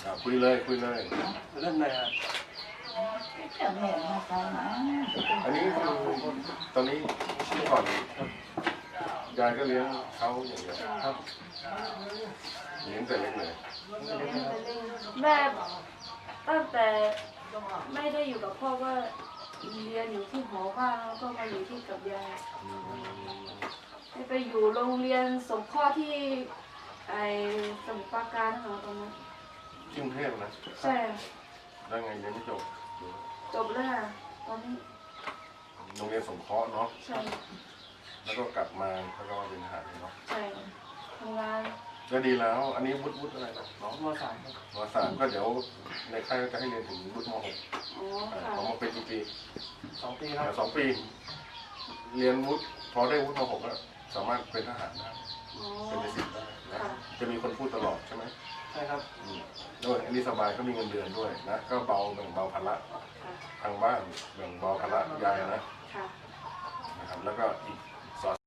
คุยเลยเรื่องไหนฮะอันนี้คือตอนนี้เมื่อก่อนยายก็เลี้ยงเขาอย่างเดียวครับเลี้ยงแต่เล็กเลยแม่ตั้งแต่ไม่ได้อยู่กับพ่อก็เรียนอยู่ที่หอบ้างแล้วก็มาอยู่ที่กับยายไปอยู่โรงเรียนสงเคราะห์ที่ไอ้สมุทรปราการค่ะตอนนั้นที่กรุงเทพนะใช่แล้วไงเรียนไม่จบแล้วค่ะตอนนี้โรงเรียนสงเคราะห์เนาะใช่แล้วก็กลับมาแล้วก็มาเป็นทหารเนาะใช่ทำงานก็ดีแล้วอันนี้วุฒิอะไรนะน้องม.3 ม.3ก็เดี๋ยวในค่ายจะให้เรียนถึงวุฒิม.6ของมาเป็นกี่ปี 2 ปีครับ 2 ปีเรียนวุฒิพอได้วุฒิม.6แล้วสามารถเป็นทหารได้เป็นในสิบได้นะจะมีคนพูดตลอดใช่ไหมใช่ครับด้วยอันนี้สบายก็มีเงินเดือนด้วยนะก็เบาแบ่งเบาภาระทางบ้านแบ่งเบาภาระยายนะครับแล้วก็อีก